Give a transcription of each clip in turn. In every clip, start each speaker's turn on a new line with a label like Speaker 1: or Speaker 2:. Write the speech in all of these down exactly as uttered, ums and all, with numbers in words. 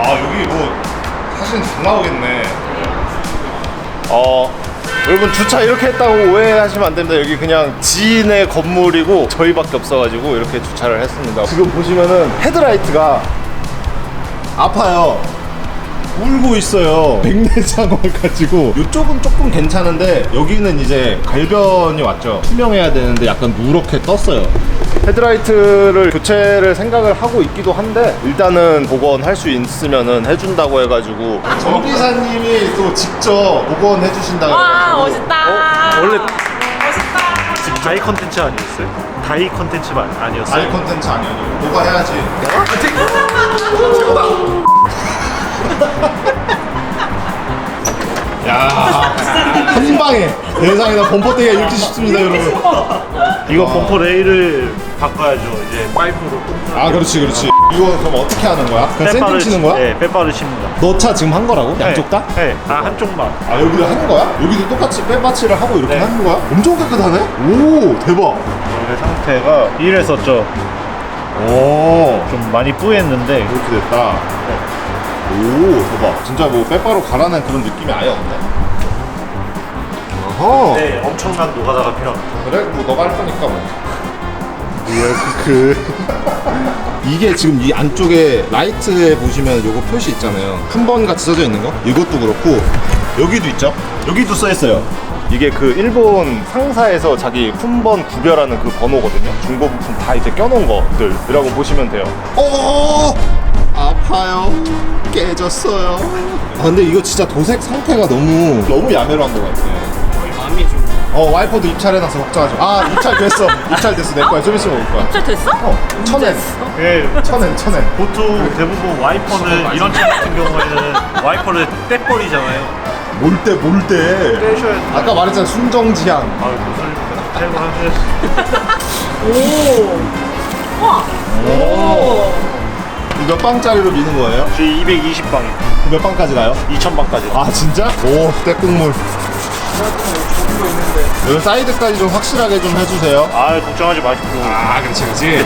Speaker 1: 아 여기 뭐 사진 잘 나오겠네. 어 여러분 주차 이렇게 했다고 오해하시면 안 됩니다. 여기 그냥 지인의 건물이고 저희밖에 없어가지고 이렇게 주차를 했습니다. 지금 보시면은 헤드라이트가 아파요. 울고 있어요. 백내장을 가지고. 이쪽은 조금 괜찮은데 여기는 이제 갈변이 왔죠. 투명해야 되는데 약간 누렇게 떴어요. 헤드라이트를 교체를 생각을 하고 있기도 한데 일단은 복원할 수 있으면은 해준다고 해가지고 정비사님이 또 직접 복원해 주신다고
Speaker 2: 와
Speaker 1: 해가지고.
Speaker 2: 멋있다.
Speaker 3: 어? 원래
Speaker 2: 멋있다.
Speaker 3: 지금 다이 컨텐츠 아니었어요? 다이 컨텐츠만 아니었어요?
Speaker 1: 아이 콘텐츠 아니야. 뭐가 해야지. 야, 한 방에 세상에나 범퍼대기가 이렇게 쉽습니다, 여러분.
Speaker 3: 이거 범퍼 레일을 바꿔야죠. 이제 파이프로.
Speaker 1: 아, 그렇지, 그렇지. 이거 그럼 어떻게 하는 거야? 그냥 샌딩 치는 거야?
Speaker 3: 네, 빼빠를 칩니다.
Speaker 1: 너 차 지금 한 거라고? 양쪽 다?
Speaker 3: 네, 아 한쪽만.
Speaker 1: 아, 여기도 하는 거야? 여기도 똑같이 빼받치를 하고 이렇게
Speaker 3: 네.
Speaker 1: 하는 거야? 엄청 깨끗하네? 오, 대박.
Speaker 3: 원래 상태가 이랬었죠.
Speaker 1: 오,
Speaker 3: 좀 많이 뿌였는데
Speaker 1: 이렇게 됐다. 오, 대박. 진짜 뭐 빼바로 갈아낸 그런 느낌이 아예 없네. 어허.
Speaker 3: 네, 엄청난 노가다가 필요합니다.
Speaker 1: 그래? 뭐 너가 할 거니까 뭐. 그 이게 지금 이 안쪽에 라이트에 보시면 요거 표시 있잖아요. 한 번 같이 써져 있는 거. 이것도 그렇고 여기도 있죠. 여기도 써 있어요. 이게 그 일본 상사에서 자기 품번 구별하는 그 번호거든요. 중고 부품 다 이제 껴놓은 것들이라고 보시면 돼요. 오, 아파요. 깨졌어요. 아 근데 이거 진짜 도색 상태가 너무 너무 야매로 한 것 같아.
Speaker 2: 마음이 좀.
Speaker 1: 어 와이퍼도 입찰해놔서 걱정하지 마. 아 입찰됐어. 입찰됐어. 내 거야. 좀 있으면 올 거야.
Speaker 2: 잘 됐어?
Speaker 1: 어 천엔.
Speaker 3: 네,
Speaker 1: 천엔 천엔.
Speaker 3: 보통 대부분 와이퍼는 이런 차 같은 경우에는 와이퍼를 떼버리잖아요.
Speaker 1: 몰 때 몰 때.
Speaker 3: 떼셔야 돼요.
Speaker 1: 아까 말했잖아 순정지향.
Speaker 3: 아, 무슨 떼고 하셔야지.
Speaker 2: 오. 와. 오.
Speaker 1: 이거 몇 방짜리로 미는 거예요?
Speaker 3: 저희 이백이십 방이요.
Speaker 1: 몇 방까지 가요?
Speaker 3: 이천 방까지.
Speaker 1: 아 진짜? 오 떼국물. 여기 사이드까지 좀 확실하게 좀 해주세요.
Speaker 3: 아, 걱정하지 마십시오.
Speaker 1: 아 그렇지 그렇지.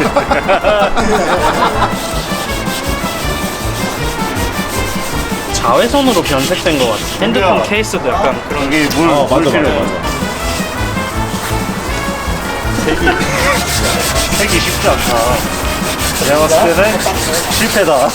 Speaker 4: 자외선으로 변색된 것 같아. 핸드폰
Speaker 3: 그래요.
Speaker 4: 케이스도 약간 그런 게.
Speaker 3: 이게 물,
Speaker 1: 어
Speaker 3: 물
Speaker 1: 맞아 맞아
Speaker 3: 필요해요.
Speaker 1: 맞아.
Speaker 3: 색이, 색이 쉽지 않다. 내가 봤을 때는 실패다.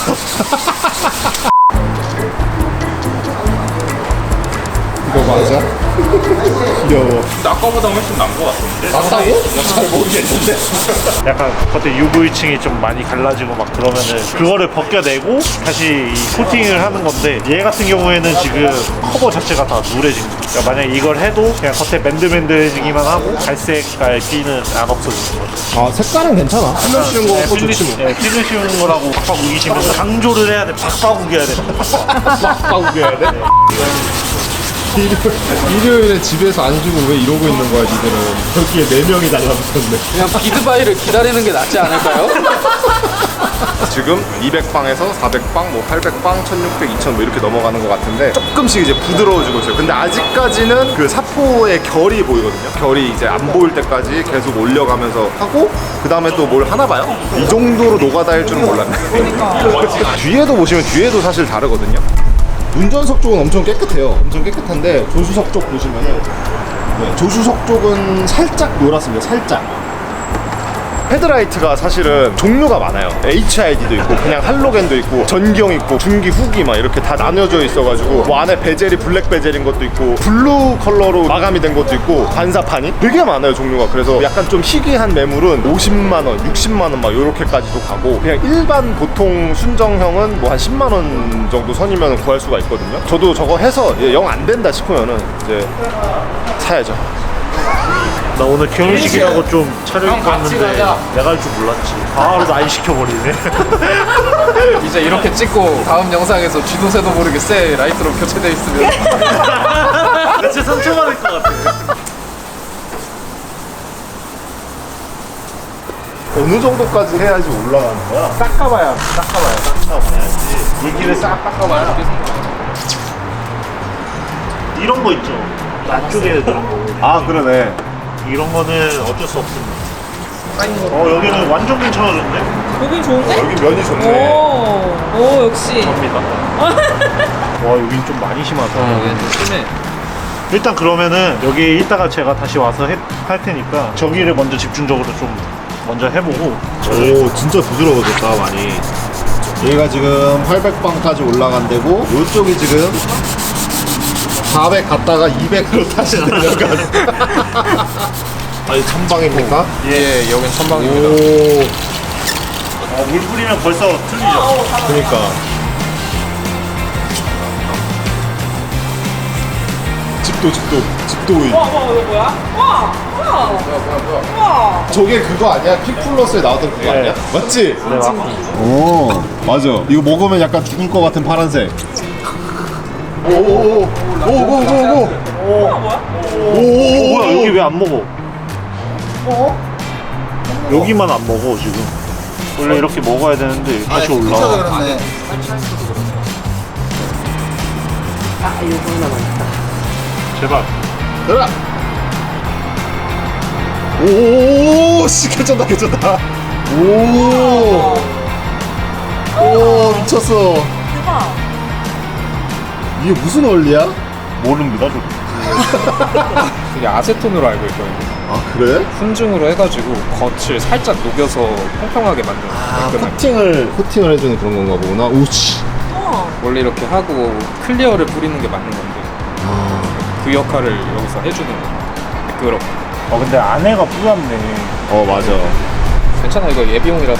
Speaker 1: 이거 맞아? 귀여워.
Speaker 4: 아까보다 훨씬 나은 것 같은데.
Speaker 1: 맞다고? 잘 모르겠는데.
Speaker 3: 약간 겉에 유브이층이 좀 많이 갈라지고 막 그러면은 그거를 벗겨내고 다시 이 코팅을 하는 건데 얘 같은 경우에는 지금 커버 자체가 다 누래진 거예요. 그러니까 만약에 이걸 해도 그냥 겉에 맨들맨들해지기만 하고 갈색깔 비는 안 없어지는 거죠.
Speaker 1: 아 색깔은 괜찮아. 필름 씌운 거 갖고 좋지 뭐.
Speaker 3: 네, 필름 씌우는 거라고 팍팍 우기시면 강조를 해야 돼. 팍팍 우겨야 돼.
Speaker 1: 빡빡 우겨야 돼? 일요, 일요일에 집에서 안 쉬고 왜 이러고 있는 거야 니들은. 여기에 네 명이 달라붙었네.
Speaker 4: 그냥 비드바이를 기다리는 게 낫지 않을까요?
Speaker 1: 지금 이백 방에서 사백 방, 뭐 팔백 방, 천육백, 이천 뭐 이렇게 넘어가는 것 같은데 조금씩 이제 부드러워지고 있어요. 근데 아직까지는 그 사포의 결이 보이거든요. 결이 이제 안 보일 때까지 계속 올려가면서 하고 그 다음에 또 뭘 하나 봐요. 이 정도로 노가다일 줄은 몰랐네. 뒤에도 보시면 뒤에도 사실 다르거든요. 운전석 쪽은 엄청 깨끗해요. 엄청 깨끗한데 조수석 쪽 보시면은 네, 조수석 쪽은 살짝 노랗습니다. 살짝. 헤드라이트가 사실은 종류가 많아요. 에이치아이디도 있고 그냥 할로겐도 있고 전경 있고 중기 후기 막 이렇게 다 나뉘어져 있어가지고 뭐 안에 베젤이 블랙 베젤인 것도 있고 블루 컬러로 마감이 된 것도 있고 반사판이 되게 많아요 종류가. 그래서 약간 좀 희귀한 매물은 오십만 원, 육십만 원 막 요렇게까지도 가고 그냥 일반 보통 순정형은 뭐 한 십만 원 정도 선이면 구할 수가 있거든요. 저도 저거 해서 영 안 된다 싶으면은 이제 사야죠.
Speaker 3: 나 오늘 결혼식이라고 좀 차려 입고 왔는데 내가 할 줄 몰랐지. 바로 날 시켜버리네.
Speaker 4: 이제 이렇게 찍고 다음 영상에서 쥐도 새도 모르게 새 라이트로 교체돼 있으면.
Speaker 3: 나 진짜 상처받을 것 같아.
Speaker 1: 어느 정도까지 해야지 올라가는 거야? 닦아봐야 닦아봐야
Speaker 3: 닦아봐야지. 이 길을 싹 닦아봐야. 이런 거 있죠. 안쪽에 들어간 거.
Speaker 1: 아 그러네.
Speaker 3: 이런 거는 어쩔 수 없습니다. 어, 여기는 완전 괜찮아졌네.
Speaker 2: 여긴 좋은데?
Speaker 1: 여기 면이 좋네.
Speaker 2: 오. 오 역시.
Speaker 3: 접니다. 와 여긴 좀 많이 심하다.
Speaker 4: 어, 얘는 좀 심해.
Speaker 3: 일단 그러면은 여기 이따가 제가 다시 와서 해, 할 테니까 저기를 먼저 집중적으로 좀 먼저 해보고.
Speaker 1: 오 진짜 부드러워졌다 많이. 얘가 지금 팔백 방까지 올라간 데고 요쪽이 지금 사백 갔다가 이백으로 다시 내려간. 아니 천방입니까?
Speaker 4: 예, 여긴 천방입니다.
Speaker 1: 오
Speaker 3: 어, 물 뿌리면 벌써 틀리죠.
Speaker 1: 그러니까 집도 집도 집도 이-
Speaker 2: 와, 와, 이거 뭐야? 와, 와,
Speaker 4: 뭐야, 뭐야, 뭐야.
Speaker 2: 와.
Speaker 1: 저게 그거 아니야? 퀵플러스에 나왔던 그거
Speaker 3: 네.
Speaker 1: 아니야? 맞지?
Speaker 3: 네, 맞습니다.
Speaker 1: 오 맞아 이거 먹으면 약간 죽을 것 같은 파란색. 오오오오오오오오
Speaker 2: 뭐야, 뭐야?
Speaker 3: 어, 뭐야 여기 왜 안 먹어? 여기만 안 먹어 지금. 원래 이렇게 먹어야 되는데 다시 올라와.
Speaker 2: 아, 이거 하나 많다.
Speaker 3: 제발.
Speaker 1: 들어. 오씨 괜찮다 괜찮다. 오. 오 미쳤어.
Speaker 2: 대박.
Speaker 1: 이게 무슨 원리야?
Speaker 3: 모릅니다 저.
Speaker 4: 이게 아세톤으로 알고 있거든요.
Speaker 1: 아 그래?
Speaker 4: 훈증으로 해가지고 겉을 살짝 녹여서 평평하게 만드는
Speaker 1: 아
Speaker 4: 깔끔하게.
Speaker 1: 코팅을 코팅을 해주는 그런 건가 보구나. 오씨.
Speaker 2: 우와.
Speaker 4: 원래 이렇게 하고 클리어를 뿌리는 게 맞는 건데
Speaker 1: 아
Speaker 4: 그 역할을 여기서 해주는 거예요. 매끄럽게.
Speaker 3: 어 근데 안에가 뿌옇네.
Speaker 1: 어 맞아.
Speaker 4: 괜찮아, 이거 예비용이라서.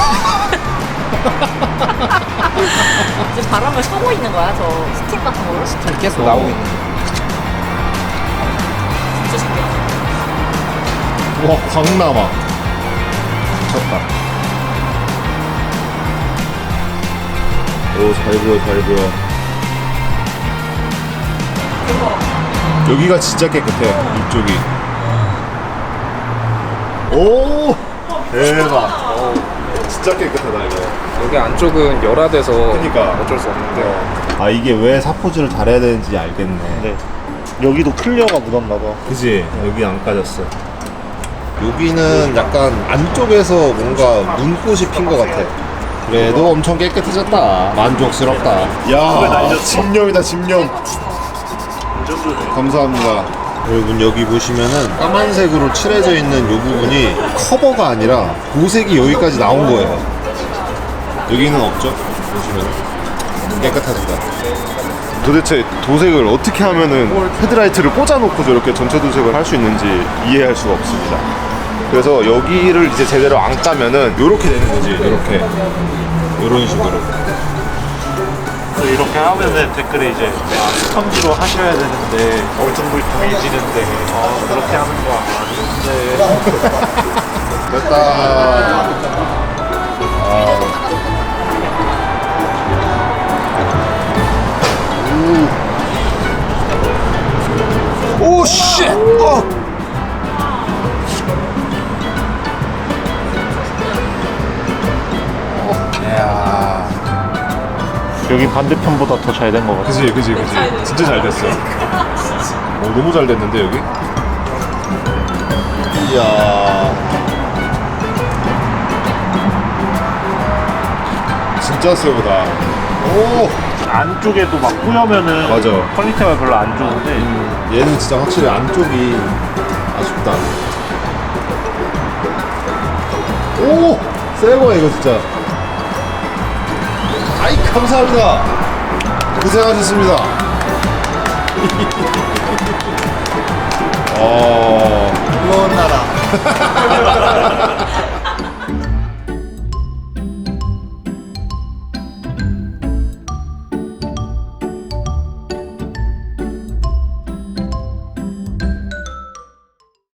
Speaker 2: 지금 바람을 쏘고 있는 거야, 저 스팀 같은 걸로?
Speaker 4: 스팀 계속 나오고 있는 거예요.
Speaker 2: 진짜 신기하다.
Speaker 1: 와 광남아. 미쳤다. 오 잘 보여 잘 보여. 여기가 진짜 깨끗해 이쪽이. 오 대박. 오, 진짜 깨끗하다 이거.
Speaker 4: 여기 안쪽은 열화돼서
Speaker 1: 그니까.
Speaker 4: 어쩔 수 없는데
Speaker 1: 아 이게 왜 사포질을 잘해야 되는지 알겠네.
Speaker 3: 네. 여기도 클리어가 묻었나 봐.
Speaker 1: 그지? 여기 안 까졌어. 여기는 약간 안쪽에서 뭔가 문꽃이 핀 것 같아. 그래도 엄청 깨끗해졌다. 만족스럽다. 야, 집념이다 집념. 감사합니다. 여러분 여기 보시면은 까만색으로 칠해져 있는 이 부분이 커버가 아니라 도색이 여기까지 나온 거예요. 여기는 없죠? 보시면 깨끗하다. 도대체 도색을 어떻게 하면은 헤드라이트를 꽂아놓고 저렇게 전체 도색을 할 수 있는지 이해할 수가 없습니다. 그래서 여기를 이제 제대로 안 까면은 이렇게 되는 거지. 이렇게 이런 식으로.
Speaker 3: 이렇게 하면은 댓글에 이제 아, 스펀지로 하셔야 되는데 얼퉁불퉁해지는데 아, 그렇게 하는 거 아닌데.
Speaker 1: 됐다. 오 쉣! 어! 야.
Speaker 3: 여기 반대편보다 더 잘 된 것 같아.
Speaker 1: 그지 그지 그지. 진짜 잘 됐어. 오 너무 잘 됐는데 여기? 이야. 진짜 세보다. 오.
Speaker 3: 안쪽에도 막 뿌여면은
Speaker 1: 맞아.
Speaker 3: 퀄리티가 별로 안 좋은데
Speaker 1: 얘는 진짜 확실히 안쪽이 아쉽다. 오! 새거야 이거 진짜. 아이 감사합니다. 고생하셨습니다. 어...
Speaker 5: 무거운 나라.